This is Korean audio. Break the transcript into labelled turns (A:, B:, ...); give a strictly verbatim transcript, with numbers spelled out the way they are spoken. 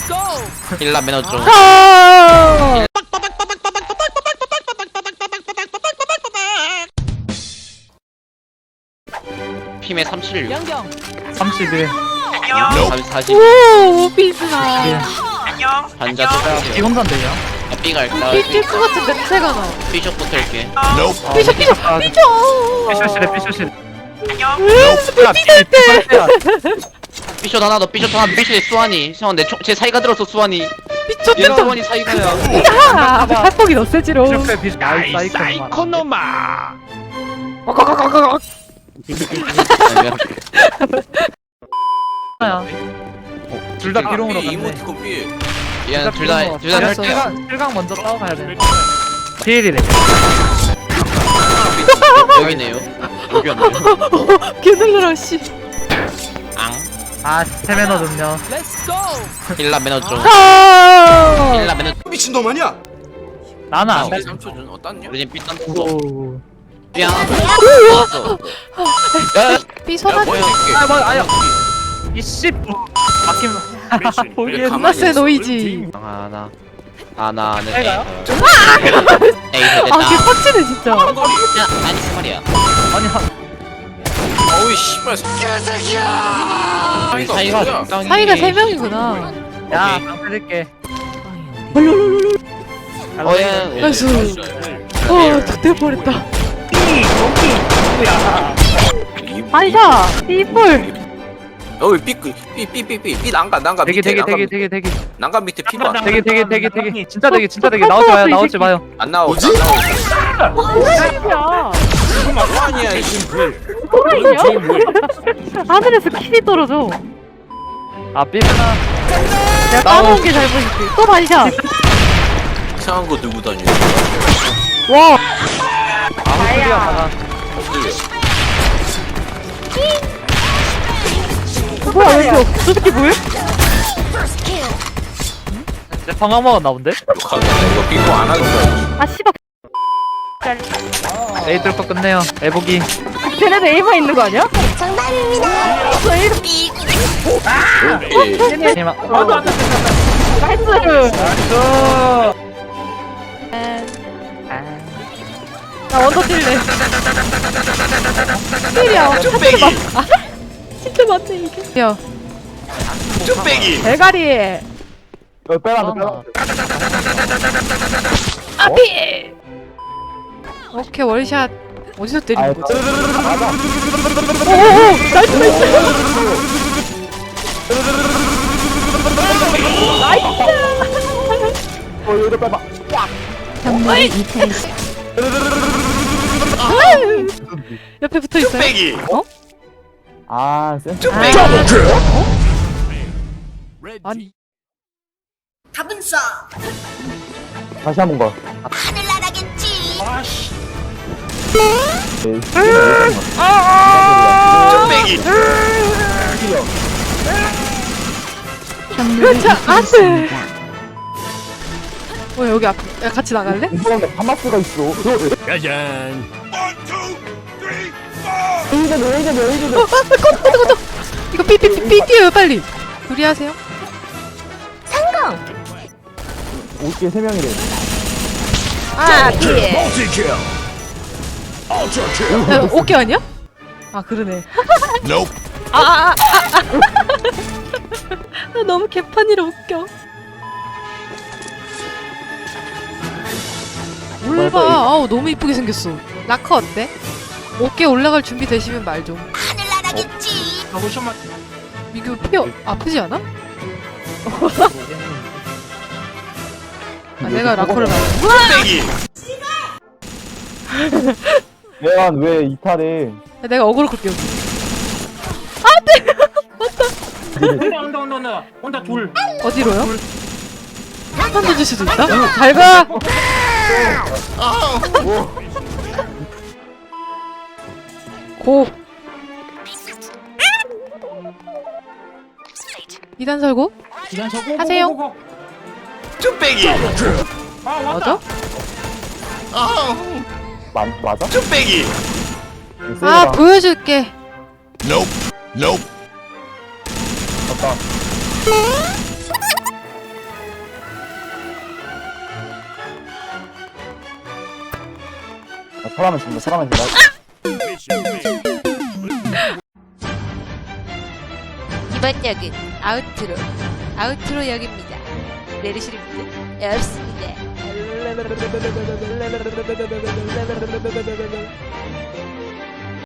A: 일라 매너 좀. 핌의 삼십육.
B: 삼십일.
A: 사십.
C: 오, 비스나.
A: 반자 또
B: 이 혼자인데요?
A: 아, B 갈까?
C: 삐질 것 같은 냄새가 나.
A: B숍부터 할게.
C: 삐져, 삐져, 삐져.
B: 피셔실에 피셔실.
C: 삐질 때.
A: B숍 하나 더, B숍 하나, B숍에 수환이. 형, 내 총, 제 사이가 들었어, 수환이.
C: 삐져,
A: 얘랑
C: 삐져.
A: 수환이 사이가야.
C: 야, 팔복이 너 세지로.
B: 피셔실 피셔. 아이 사이코노마. 둘다 비롱으로 갔네.
D: 이모티콘 삐.
A: 얘는 둘 다, 둘 다
C: 알았어.
A: 할게요.
B: 실강 실강 먼저 싸워가야 돼. 피일이래.
A: 여기네요. 여기였네요.
C: 개놀라라, 씨.
A: 앙.
B: 아 스테미너 좀요.
A: 일라 매너 좀.
C: 아.
A: 일라 매너.
D: 미친놈 아니야?
B: 나는 안 돼.
D: 삼 초 전 어떤요?
A: 우리 지금 B 딴 거.
B: 오.
A: 야. 왔어. 야,
C: 삐서나.
D: 뭐야?
B: 아 뭐 아야. 이씨. 막힘. 보기에
D: 가만히
C: 나세
D: 있어.
C: 노이지.
A: 하나. 하나는 A.
B: A가요?
A: A 됐다.
C: 아, 걔 빡치네, 진짜.
A: 야, 아니 그 말이야.
B: 아니 한.
D: 어이 씨발 개새끼야.
A: 우리 사이가 적당히.
C: 사이가 세 명이구나.
B: 야 방패들게.
A: 어, 예.
C: 나이스. 어, 좋대 버렸다. 반샤, 삐뿔.
D: 어이 삐삐삐삐삐삐 난간 난간
B: 되게
D: 밑에
B: 되게
D: 난간
B: 되게
D: 밑에
B: 되게 되게
D: 난간 밑에 피부 안
B: 되게 되게 되게 되게 진짜 되게 진짜 되게 나오지 마요 나오지 마요.
D: 안 나오. 뭐지? 안 나오.
C: 야,
D: 아니야 이
C: 뭐야? 하늘에서 킬이 떨어져.
B: 아 삐부나.
C: 내가 까놓은 게 잘못이지. 또 반샤.
D: 이상한 거 들고 다니네.
C: 와,
B: 아무 소리야 나가.
C: 뭐야, 왜 이렇게 없어? 저 새끼 뭐야?
B: 내 방황 먹었나 본데?
D: 욕하겠네. 이거 삐고 안 하는 거야.
C: 아, 씨발.
B: 에이 뚫고 끝내요. 애보기.
C: 쟤네도 A만 있는 거 아니야?
D: 삐.
B: 니마.
C: 나이스.
B: 나이스.
C: 나 원더 뛸래. 킬이야. 쭈빼기. 아, 진짜 맞네 이게. 야,
D: 쭈빼기.
C: 대가리.
B: 어 빼라 빼라.
C: 아피. 오케이, 월샷. 어디서 때리는 거지? 오오오, 나이스 나이스.
B: 어 이거 빼봐.
C: 정말 옆에 붙어 있어요.
D: 쭈빼기.
C: 어?
B: 아 센.
D: 쭈빼기.
C: 아니.
E: 답은 싸.
B: 다시 한번 봐.
E: 하늘나라겠지.
D: 쭈빼기.
C: 자, 안돼. 어, 여기 앞. 야, 같이 나갈래?
B: 이사람에 파마스가 있어.
D: 짜잔.
B: 에이드 에이드 에이드.
C: 어, 아, 꺼져, 꺼져, 꺼져. 이거 삐삐삐삐 뛰어요, 빨리. 둘이 하세요.
B: 오케이 세 명이래.
C: 아, 피. 야, 오케이 아니야? 아, 그러네. 아, 아, 아, 아, 아. 나 너무 개판이라 웃겨. 올봐. 아우, 너무 이쁘게 생겼어. 라커 어때? 어깨 올라갈 준비 되시면 말 좀.
E: 하늘나라겠지.
C: 이거 피 어- 아프지 않아? 아, 내가 라커를 말.
D: 쭈빼기.
B: 내가 왜 이탈해?
C: 내가 어그로 끌게 여기.
F: 온다 온다 온다 온다 둘.
C: 어디로요? 한 던질 수도 있다. 잘 가. 고. 이단 설고
F: 기간 서고
C: 하세요.
F: 고, 고, 고.
D: 쭈빼기.
F: 아 왔다.
C: 맞아?
B: 마, 맞아?
D: 쭈빼기.
C: 아, 보여줄게.
D: Nope. Nope.
B: 맞다. 아, 사람은 죽는다 사람은 죽는다.
C: 이번 역은 아우트로 아우트로 역입니다. 내리실 분 없습니다.